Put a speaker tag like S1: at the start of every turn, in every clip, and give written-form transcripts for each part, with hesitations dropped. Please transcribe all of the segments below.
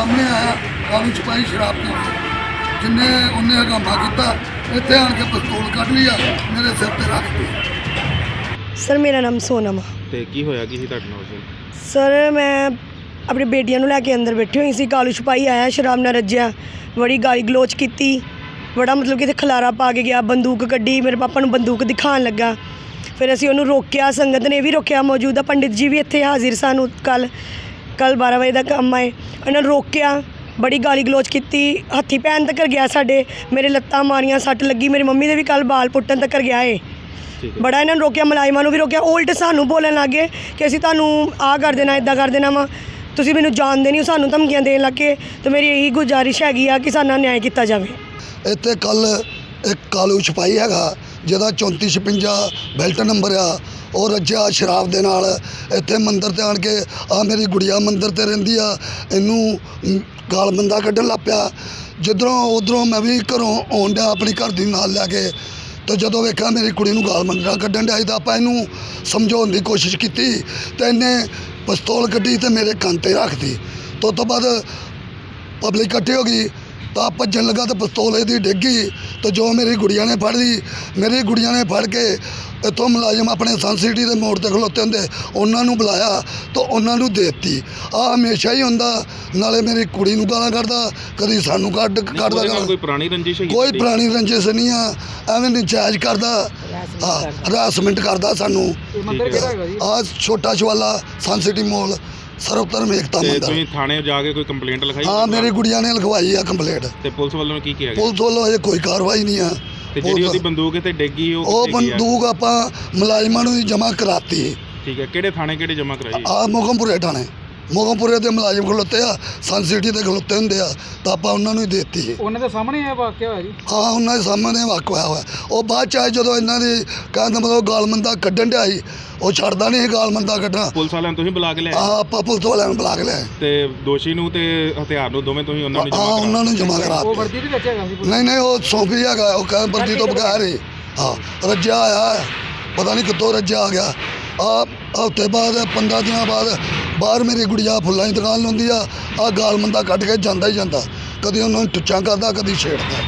S1: ਸਾਹਮਣੇ ਆਇਆ ਕਾਲੂ ਸਿਪਾਹੀ ਸ਼ਰਾਬ ਪੀ ਕੇ ਜਿੰਨੇ ਉਹਨੇ ਹੰਗਾਮਾ ਕੀਤਾ ਇੱਥੇ ਆਣ ਕੇ ਪਿਸਤੌਲ ਕੱਢ ਲਿਆ ਮੇਰੇ ਸਿਰ ਤੇ ਰੱਖ ਦਿੱਤੀ।
S2: ਸਰ ਮੇਰਾ ਨਾਮ ਸੋਨਮ ਆ।
S3: ਤੇ ਕੀ ਹੋਇਆ ਕੀ ਸੀ ਤੁਹਾਡੇ ਨਾਲ ਉਸ ਦਿਨ?
S2: ਸਰ ਮੈਂ ਆਪਣੀ ਬੇਟੀਆਂ ਨੂੰ ਲੈ ਕੇ ਅੰਦਰ ਬੈਠੀ ਹੋਈ ਸੀ। ਕਾਲੂ ਸਿਪਾਹੀ ਆਇਆ ਸ਼ਰਾਬ ਨਾਲ ਰੱਜਿਆ, ਬੜੀ ਗਾਲੀ ਗਲੋਚ ਕੀਤੀ, ਬੜਾ ਮਤਲਬ ਕਿ ਇੱਥੇ ਖਲਾਰਾ ਪਾ ਕੇ ਗਿਆ, ਬੰਦੂਕ ਕੱਢੀ, ਮੇਰੇ ਪਾਪਾ ਨੂੰ ਬੰਦੂਕ ਦਿਖਾਉਣ ਲੱਗਾ। ਫਿਰ ਅਸੀਂ ਉਹਨੂੰ ਰੋਕਿਆ, ਸੰਗਤ ਨੇ ਵੀ ਰੋਕਿਆ, ਮੌਜੂਦਾ ਪੰਡਿਤ ਜੀ ਵੀ ਇੱਥੇ ਹਾਜ਼ਰ ਸਨ। ਕੱਲ੍ਹ 12 ਵਜੇ ਦਾ ਕੰਮ ਆਏ, ਉਹਨਾਂ ਨੂੰ ਰੋਕਿਆ, ਬੜੀ ਗਾਲੀ ਗਲੋਚ ਕੀਤੀ, ਹੱਥੀ ਪੈਣ ਤੱਕ ਗਿਆ ਸਾਡੇ, ਮੇਰੇ ਲੱਤਾਂ ਮਾਰੀਆਂ, ਸੱਟ ਲੱਗੀ, ਮੇਰੀ ਮੰਮੀ ਦੇ ਵੀ ਕੱਲ੍ਹ ਬਾਲ ਪੁੱਟਣ ਤੱਕ ਗਿਆ ਏ। ਬੜਾ ਇਹਨਾਂ ਨੂੰ ਰੋਕਿਆ, ਮੁਲਾਜ਼ਮਾਂ ਨੂੰ ਵੀ ਰੋਕਿਆ। ਉਲਟ ਸਾਨੂੰ ਬੋਲਣ ਲੱਗ ਗਏ ਕਿ ਅਸੀਂ ਤੁਹਾਨੂੰ ਆਹ ਕਰ ਦੇਣਾ, ਇੱਦਾਂ ਕਰ ਦੇਣਾ ਵਾ, ਤੁਸੀਂ ਮੈਨੂੰ ਜਾਣਦੇ ਨਹੀਂ, ਸਾਨੂੰ ਧਮਕੀਆਂ ਦੇਣ ਲੱਗੇ। ਅਤੇ ਮੇਰੀ ਇਹੀ ਗੁਜ਼ਾਰਿਸ਼ ਹੈਗੀ ਆ ਕਿ ਸਾਡਾ ਨਿਆਂ ਕੀਤਾ ਜਾਵੇ।
S1: ਇੱਥੇ ਕੱਲ ਇੱਕ ਕਾਲੂ ਸਿਪਾਹੀ ਹੈਗਾ ਜਿਹਦਾ 3456 ਬੈਲਟ ਨੰਬਰ ਆ, ਉਹ ਰੱਜਿਆ ਸ਼ਰਾਬ ਦੇ ਨਾਲ ਇੱਥੇ ਮੰਦਰ ਤੇ ਆਣ ਕੇ ਆ ਮੇਰੀ ਗੁੜੀਆ ਮੰਦਰ ਤੇ ਰਹਿੰਦੀ ਆ, ਇਹਨੂੰ ਗਾਲ ਬੰਦਾ ਕੱਢਣ ਲੱਗ ਪਿਆ। ਜਿੱਧਰੋਂ ਉੱਧਰੋਂ ਮੈਂ ਵੀ ਘਰੋਂ ਆਉਣ ਡਿਆ ਆਪਣੀ ਘਰ ਦੀ ਨਾਲ ਲੈ ਕੇ, ਤੇ ਜਦੋਂ ਵੇਖਿਆ ਮੇਰੀ ਕੁੜੀ ਨੂੰ ਗਾਲ ਮੰਦਾ ਕੱਢਣ ਡਿਆ ਤਾਂ ਆਪਾਂ ਇਹਨੂੰ ਸਮਝਾਉਣ ਦੀ ਕੋਸ਼ਿਸ਼ ਕੀਤੀ ਤੇ ਇਹਨੇ ਪਿਸਤੌਲ ਕੱਢੀ ਤੇ ਮੇਰੇ ਕੰਨ 'ਤੇ ਰੱਖਤੀ। ਤੋਂ ਬਾਅਦ ਪਬਲਿਕ ਇਕੱਠੀ ਹੋ ਗਈ ਤਾਂ ਭੱਜਣ ਲੱਗਾ ਤਾਂ ਪਿਸਤੌਲ ਇਹਦੀ ਡਿੱਗ ਗਈ। ਤਾਂ ਜੋ ਮੇਰੀ ਗੁੜੀਆ ਨੇ ਫੜ ਲਈ, ਮੇਰੀ ਗੁੜੀਆ ਨੇ ਫੜ ਕੇ ਇੱਥੋਂ ਮੁਲਾਜ਼ਮ ਆਪਣੇ ਸਨ ਸਿਟੀ ਦੇ ਮੋੜ 'ਤੇ ਖਲੋਤੇ ਹੁੰਦੇ ਉਹਨਾਂ ਨੂੰ ਬੁਲਾਇਆ ਤਾਂ ਉਹਨਾਂ ਨੂੰ ਦੇ ਦਿੱਤੀ। ਆਹ ਹਮੇਸ਼ਾ ਹੀ ਹੁੰਦਾ, ਨਾਲੇ ਮੇਰੀ ਕੁੜੀ ਨੂੰ ਗਾਲਾਂ ਕੱਢਦਾ, ਕਦੀ ਸਾਨੂੰ ਕੱਢਦਾ।
S3: ਕੋਈ ਪੁਰਾਣੀ ਰੰਜਿਸ਼ ਹੈਗੀ?
S1: ਕੋਈ ਪੁਰਾਣੀ ਰੰਜਿਸ਼ ਨਹੀਂ ਆ, ਐਵੇਂ ਨਜਾਇਜ਼ ਕਰਦਾ, ਹਰਾਸਮੈਂਟ ਕਰਦਾ ਸਾਨੂੰ। ਆਹ ਛੋਟਾ ਸ਼ਵਾਲਾ ਸਨ ਸਿਟੀ ਮੋਲ ਸਰਵਧਰਮ ਏਕਤਾ ਮੰਦਰ।
S3: ਤੁਸੀਂ ਥਾਣੇ ਜਾ ਕੇ ਕੋਈ ਕੰਪਲੇਂਟ ਲਿਖਾਈ?
S1: ਹਾਂ, ਮੇਰੀ ਗੁੜੀਆ ਨੇ ਲਿਖਵਾਈ ਆ ਕੰਪਲੇਂਟ।
S3: ਤੇ ਪੁਲਿਸ ਵੱਲੋਂ ਕੀ ਕਿਹਾ ਗਿਆ?
S1: ਪੁਲਿਸ ਵੱਲੋਂ ਅਜੇ ਕੋਈ ਕਾਰਵਾਈ ਨਹੀਂ ਆ।
S3: ਤੇ ਜਿਹੜੀ ਉਹਦੀ ਬੰਦੂਕ ਇੱਥੇ ਡਿੱਗੀ
S1: ਉਹ ਬੰਦੂਕ ਆਪਾਂ ਮੁਲਾਜ਼ਮਾਂ ਨੂੰ ਜਮ੍ਹਾਂ ਕਰਾਤੀ।
S3: ਠੀਕ ਹੈ, ਕਿਹੜੇ ਥਾਣੇ ਕਿਹੜੇ ਜਮ੍ਹਾਂ ਕਰਾਈ?
S1: ਆ ਮੋਗਮਪੁਰੇ ਥਾਣੇ, ਮੋਗਮਪੁਰੇ ਦੇ ਮੁਲਾਜ਼ਮ ਖਲੋਤੇ ਆ, ਸਨ ਸਿਟੀ ਦੇ ਖਲੋਤੇ ਹੁੰਦੇ ਆ, ਤਾਂ ਆਪਾਂ ਉਹਨਾਂ ਨੂੰ ਹੀ ਦੇ ਦਿੱਤੀ।
S4: ਉਹਨਾਂ ਦੇ ਸਾਹਮਣੇ ਇਹ ਵਾਕਿਆ ਹੋਇਆ ਜੀ?
S1: ਹਾਂ, ਉਹਨਾਂ ਦੇ ਸਾਹਮਣੇ ਵਾਕਿਆ ਹੋਇਆ। ਉਹ ਬਾਅਦ ਚ ਆਏ ਜਦੋਂ ਇਹਨਾਂ ਦੀ ਕਹਿਣ ਦਾ ਮਤਲਬ ਗਾਲਮੰਦਾ ਕੱਢਣ ਡਿਆ ਸੀ, ਉਹ ਛੱਡਦਾ ਨਹੀਂ ਸੀ ਗਾਲਮੰਦਾ ਕੱਢਣਾ।
S3: ਪੁਲਿਸ ਵਾਲਿਆਂ ਨੂੰ ਤੁਸੀਂ ਬੁਲਾ ਕੇ ਲਿਆਏ?
S1: ਹਾਂ, ਆਪਾਂ ਪੁਲਿਸ ਵਾਲਿਆਂ ਨੂੰ ਬੁਲਾ ਕੇ ਲਿਆਏ।
S3: ਤੇ ਦੋਸ਼ੀ ਨੂੰ ਤੇ ਹਥਿਆਰ ਨੂੰ ਦੋਵੇਂ ਤੁਸੀਂ ਉਹਨਾਂ ਨੂੰ
S1: ਹਾਂ, ਉਹਨਾਂ ਨੂੰ ਜਮ੍ਹਾਂ ਕਰਾ
S4: ਉਹ ਵਰਦੀ ਦੇ ਵਿੱਚ ਹੈਗਾ ਸੀ?
S1: ਨਹੀਂ, ਉਹ ਸੌਂਪੀ ਹੈਗਾ, ਉਹ ਕਹਿੰਦਾ ਵਰਦੀ ਤੋਂ ਬਗੈਰ ਹੀ। ਹਾਂ, ਰੱਜਿਆ ਆਇਆ, ਪਤਾ ਨਹੀਂ ਕਿੱਥੋਂ ਰੱਜਿਆ ਆ ਗਿਆ। ਆ ਹਫ਼ਤੇ ਬਾਅਦ 15 ਦਿਨਾਂ ਬਾਅਦ ਬਾਹਰ ਮੇਰੀ ਗੁੜੀਆ ਫੁੱਲਾਂ ਦੀ ਦੁਕਾਨ ਲਾਉਂਦੀ ਆ, ਆਹ ਗਾਲਮੰਦਾ ਕੱਢ ਕੇ ਜਾਂਦਾ ਹੀ ਜਾਂਦਾ, ਕਦੀ ਉਹਨਾਂ ਨੂੰ ਟੁੱਚਾਂ ਕਰਦਾ, ਕਦੀ ਛੇੜਦਾ।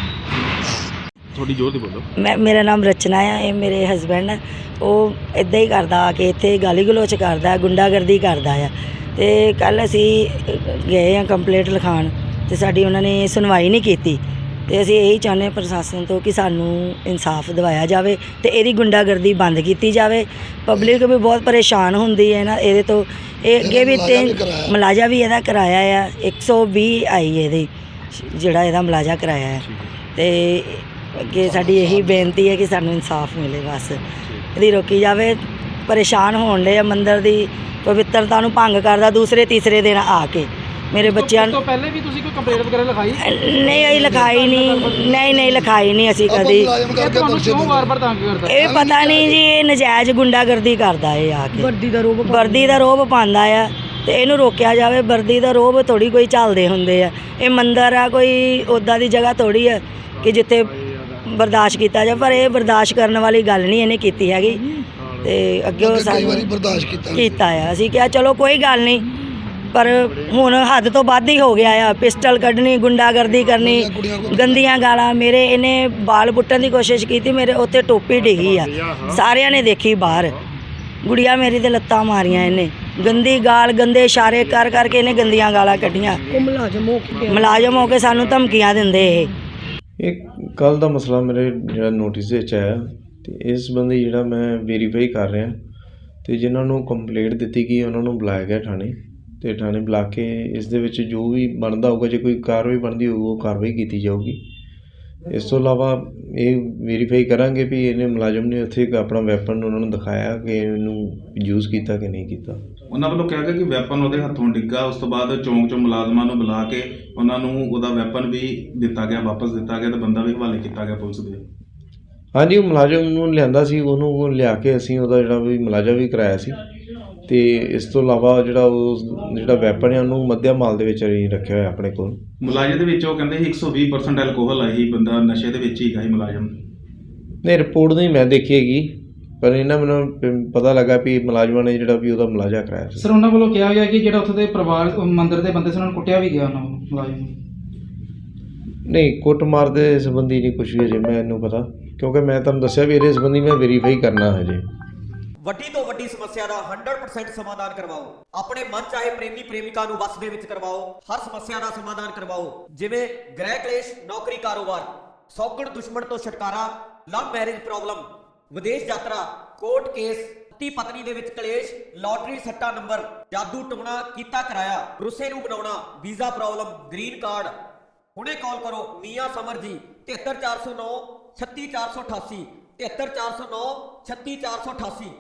S3: ਥੋੜੀ ਜ਼ੋਰ ਦੀ ਬੋਲੋ।
S2: ਮੇਰਾ ਨਾਮ ਰਚਨਾ ਆ, ਇਹ ਮੇਰੇ ਹਸਬੈਂਡ ਆ। ਉਹ ਇੱਦਾਂ ਹੀ ਕਰਦਾ ਆ ਕੇ ਇੱਥੇ ਗਾਲੀ ਗਲੋਚ ਕਰਦਾ, ਗੁੰਡਾਗਰਦੀ ਕਰਦਾ ਆ। ਅਤੇ ਕੱਲ੍ਹ ਅਸੀਂ ਗਏ ਆ ਕੰਪਲੇਂਟ ਲਿਖਾਉਣ, ਅਤੇ ਸਾਡੀ ਉਹਨਾਂ ਨੇ ਸੁਣਵਾਈ ਨਹੀਂ ਕੀਤੀ। ਅਤੇ ਅਸੀਂ ਇਹੀ ਚਾਹੁੰਦੇ ਪ੍ਰਸ਼ਾਸਨ ਤੋਂ ਕਿ ਸਾਨੂੰ ਇਨਸਾਫ ਦਿਵਾਇਆ ਜਾਵੇ ਅਤੇ ਇਹਦੀ ਗੁੰਡਾਗਰਦੀ ਬੰਦ ਕੀਤੀ ਜਾਵੇ। ਪਬਲਿਕ ਵੀ ਬਹੁਤ ਪਰੇਸ਼ਾਨ ਹੁੰਦੀ ਹੈ ਨਾ ਇਹਦੇ ਤੋਂ। ਇਹ ਅੱਗੇ ਵੀ ਮੁਲਾਜ਼ਾ ਵੀ ਇਹਦਾ ਕਰਾਇਆ ਆ, 120 ਆਈ ਇਹਦੀ ਜਿਹੜਾ ਇਹਦਾ ਮੁਲਾਜ਼ਾ ਕਰਾਇਆ ਹੈ। ਅਤੇ ਅੱਗੇ ਸਾਡੀ ਇਹੀ ਬੇਨਤੀ ਹੈ ਕਿ ਸਾਨੂੰ ਇਨਸਾਫ ਮਿਲੇ, ਬਸ ਇਹਦੀ ਰੋਕੀ ਜਾਵੇ। ਪਰੇਸ਼ਾਨ ਹੋਣ ਦੇ ਆ, ਮੰਦਰ ਦੀ ਪਵਿੱਤਰਤਾ ਨੂੰ ਭੰਗ ਕਰਦਾ ਦੂਸਰੇ ਤੀਸਰੇ ਦਿਨ ਆ ਕੇ। ਮੇਰੇ ਬੱਚਿਆਂ ਨੂੰ
S4: ਪਹਿਲੇ ਵੀ ਤੁਸੀਂ ਕੋਈ ਕੰਪਲੇਂਟ ਵਗੈਰਾ ਲਿਖਾਈ?
S2: ਨਹੀਂ, ਅਸੀਂ ਲਿਖਾਈ ਨਹੀਂ ਲਿਖਾਈ ਨਹੀਂ ਅਸੀਂ ਕਦੀ।
S4: ਤੁਹਾਨੂੰ ਕਿਉਂ ਵਾਰ-ਵਾਰ ਤੰਗ ਕਰਦਾ?
S2: ਇਹ ਪਤਾ ਨਹੀਂ ਜੀ, ਇਹ ਨਜਾਇਜ਼ ਗੁੰਡਾਗਰਦੀ ਕਰਦਾ ਇਹ ਆ ਕੇ, ਵਰਦੀ ਦਾ ਰੋਹਬ ਪਾਉਂਦਾ ਆ, ਅਤੇ ਇਹਨੂੰ ਰੋਕਿਆ ਜਾਵੇ। ਵਰਦੀ ਦਾ ਰੋਹਬ ਥੋੜ੍ਹੀ ਕੋਈ ਝੱਲਦੇ ਹੁੰਦੇ ਆ, ਇਹ ਮੰਦਰ ਆ, ਕੋਈ ਉੱਦਾਂ ਦੀ ਜਗ੍ਹਾ ਥੋੜ੍ਹੀ ਆ ਕਿ ਜਿੱਥੇ ਬਰਦਾਸ਼ਤ ਕੀਤਾ ਜਾਵੇ। ਪਰ ਇਹ ਬਰਦਾਸ਼ਤ ਕਰਨ ਵਾਲੀ ਗੱਲ ਨਹੀਂ ਇਹਨੇ ਕੀਤੀ ਹੈਗੀ, ਅਤੇ ਅੱਗੇ ਉਹ ਸਾਨੂੰ
S1: ਬਰਦਾਸ਼ਤ
S2: ਕੀਤਾ ਆ। ਅਸੀਂ ਕਿਹਾ ਚਲੋ ਕੋਈ ਗੱਲ ਨਹੀਂ, ਪਰ ਹੁਣ ਹੱਦ ਤੋਂ ਵੱਧ ਹੀ ਹੋ ਗਿਆ ਆ। ਪਿਸਟਲ ਕੱਢਣੀ, ਗੁੰਡਾਗਰਦੀ ਕਰਨੀ, ਗੰਦੀਆਂ ਗਾਲਾਂ। ਮੇਰੇ ਇਹਨੇ ਬਾਲ ਪੁੱਟਣ ਦੀ ਕੋਸ਼ਿਸ਼ ਕੀਤੀ, ਮੇਰੇ ਉੱਤੇ ਟੋਪੀ ਡਿੱਗੀ ਆ, ਸਾਰਿਆਂ ਨੇ ਦੇਖੀ ਬਾਹਰ। ਗੁੜੀਆ ਮੇਰੀ ਦੇ ਲੱਤਾਂ ਮਾਰੀਆਂ ਇਹਨੇ, ਗੰਦੀ ਗਾਲ, ਗੰਦੇ ਇਸ਼ਾਰੇ ਕਰ ਕਰਕੇ ਇਹਨੇ ਗੰਦੀਆਂ ਗਾਲਾਂ ਕੱਢੀਆਂ। ਮੁਲਾਜ਼ਮ ਹੋ ਕੇ ਸਾਨੂੰ ਧਮਕੀਆਂ ਦਿੰਦੇ
S5: ਇਹ ਕੱਲ੍ਹ ਦਾ ਮਸਲਾ ਮੇਰੇ ਜਿਹੜਾ ਨੋਟਿਸ ਵਿੱਚ ਆਇਆ, ਅਤੇ ਇਸ ਸੰਬੰਧੀ ਜਿਹੜਾ ਮੈਂ ਵੈਰੀਫਾਈ ਕਰ ਰਿਹਾ, ਅਤੇ ਜਿਨ੍ਹਾਂ ਨੂੰ ਕੰਪਲੇਂਟ ਦਿੱਤੀ ਗਈ ਉਹਨਾਂ ਨੂੰ ਬੁਲਾਇਆ ਗਿਆ ਥਾਣੇ, ਅਤੇ ਥਾਣੇ ਬੁਲਾ ਕੇ ਇਸ ਦੇ ਵਿੱਚ ਜੋ ਵੀ ਬਣਦਾ ਹੋਊਗਾ, ਜੇ ਕੋਈ ਕਾਰਵਾਈ ਬਣਦੀ ਹੋਊ ਉਹ ਕਾਰਵਾਈ ਕੀਤੀ ਜਾਊਗੀ। ਇਸ ਤੋਂ ਇਲਾਵਾ ਇਹ ਵੈਰੀਫਾਈ ਕਰਾਂਗੇ ਵੀ ਇਹਨੇ ਮੁਲਾਜ਼ਮ ਨੇ ਉੱਥੇ ਆਪਣਾ ਵੈਪਨ ਉਹਨਾਂ ਨੂੰ ਦਿਖਾਇਆ ਕਿ ਇਹਨੂੰ ਯੂਜ਼ ਕੀਤਾ ਕਿ ਨਹੀਂ ਕੀਤਾ।
S3: ਉਹਨਾਂ ਵੱਲੋਂ ਕਿਹਾ ਗਿਆ ਕਿ ਵੈਪਨ ਉਹਦੇ ਹੱਥੋਂ ਡਿੱਗਾ, ਉਸ ਤੋਂ ਬਾਅਦ ਚੌਂਕ 'ਚੋਂ ਮੁਲਾਜ਼ਮਾਂ ਨੂੰ ਬੁਲਾ ਕੇ ਉਹਨਾਂ ਨੂੰ ਉਹਦਾ ਵੈਪਨ ਵੀ ਦਿੱਤਾ ਗਿਆ, ਵਾਪਸ ਦਿੱਤਾ ਗਿਆ, ਅਤੇ ਬੰਦਾ ਵੀ ਹਵਾਲੇ ਕੀਤਾ ਗਿਆ ਪੁਲਿਸ ਦੇ।
S5: ਹਾਂਜੀ, ਉਹ ਮੁਲਾਜ਼ਮ ਨੂੰ ਲਿਆਂਦਾ ਸੀ, ਉਹਨੂੰ ਲਿਆ ਕੇ ਅਸੀਂ ਉਹਦਾ ਜਿਹੜਾ ਵੀ ਮੁਲਾਜ਼ਾ ਵੀ ਕਰਾਇਆ ਸੀ। ਅਤੇ ਇਸ ਤੋਂ ਇਲਾਵਾ ਜਿਹੜਾ ਵੈਪਨ ਹੈ ਉਹਨੂੰ ਮੱਧਿਆ ਮਾਲ ਦੇ ਵਿੱਚ ਅਸੀਂ ਰੱਖਿਆ ਹੋਇਆ ਆਪਣੇ ਕੋਲ।
S3: ਮੁਲਾਜ਼ਮ ਦੇ ਵਿੱਚ ਉਹ ਕਹਿੰਦੇ ਸੀ 120% ਐਲਕੋਹਲ ਆ, ਹੀ ਬੰਦਾ ਨਸ਼ੇ ਦੇ ਵਿੱਚ ਹੀ ਹੈਗਾ ਹੀ ਮੁਲਾਜ਼ਮ।
S5: ਨਹੀਂ, ਰਿਪੋਰਟ ਨਹੀਂ ਮੈਂ ਦੇਖੀ ਹੈਗੀ, ਪਰ ਇਹਨਾਂ ਮੈਨੂੰ ਪਤਾ ਲੱਗਾ ਵੀ ਮੁਲਾਜ਼ਮਾਂ ਨੇ ਜਿਹੜਾ ਵੀ ਉਹਦਾ ਮੁਲਾਜ਼ਾ ਕਰਾਇਆ ਸੀ।
S4: ਸਰ, ਉਹਨਾਂ ਵੱਲੋਂ ਕਿਹਾ ਗਿਆ ਕਿ ਜਿਹੜਾ ਉੱਥੇ ਦੇ ਪਰਿਵਾਰ ਮੰਦਰ ਦੇ ਬੰਦੇ ਸੀ ਉਹਨਾਂ ਨੂੰ ਕੁੱਟਿਆ ਵੀ ਗਿਆ ਉਹਨਾਂ ਨੂੰ। ਮੁਲਾਜ਼ਮ
S5: ਨਹੀਂ ਕੁੱਟਮਾਰ ਦੇ ਸੰਬੰਧੀ ਨਹੀਂ ਕੁਝ ਵੀ ਅਜੇ ਮੈਨੂੰ ਪਤਾ, ਕਿਉਂਕਿ ਮੈਂ ਤੁਹਾਨੂੰ ਦੱਸਿਆ ਵੀ ਇਹਦੇ ਸੰਬੰਧੀ ਮੈਂ ਵੈਰੀਫਾਈ ਕਰਨਾ ਹਜੇ।
S6: ਵੱਡੀ ਤੋਂ ਵੱਡੀ ਸਮੱਸਿਆ ਦਾ 100% ਸਮਾਧਾਨ ਕਰਵਾਓ। ਆਪਣੇ ਮਨ ਚਾਹੇ ਪ੍ਰੇਮੀ ਪ੍ਰੇਮਿਕਾ ਨੂੰ ਵਸ ਦੇ ਵਿੱਚ ਕਰਵਾਓ। ਹਰ ਸਮੱਸਿਆ ਦਾ ਸਮਾਧਾਨ ਕਰਵਾਓ, ਜਿਵੇਂ ਗ੍ਰਹਿ ਕਲੇਸ਼, ਨੌਕਰੀ, ਕਾਰੋਬਾਰ, ਸੌਗਣ ਦੁਸ਼ਮਣ ਤੋਂ ਛੁਟਕਾਰਾ, ਲਵ ਮੈਰਿਜ ਪ੍ਰੋਬਲਮ, ਵਿਦੇਸ਼ ਯਾਤਰਾ, ਕੋਰਟ ਕੇਸ, ਪਤੀ ਪਤਨੀ ਦੇ ਵਿੱਚ ਕਲੇਸ਼, ਲਾਟਰੀ ਸੱਟਾ ਨੰਬਰ, ਜਾਦੂ ਟੂਣਾ ਕੀਤਾ ਕਰਾਇਆ, ਰੁੱਸੇ ਨੂੰ ਬਣਾਉਣਾ, ਵੀਜ਼ਾ ਪ੍ਰੋਬਲਮ, ਗ੍ਰੀਨ ਕਾਰਡ। ਹੁਣੇ ਕਾਲ ਕਰੋ ਮੀਆਂ ਸਮਰ ਜੀ 73409 36488 73409 36488।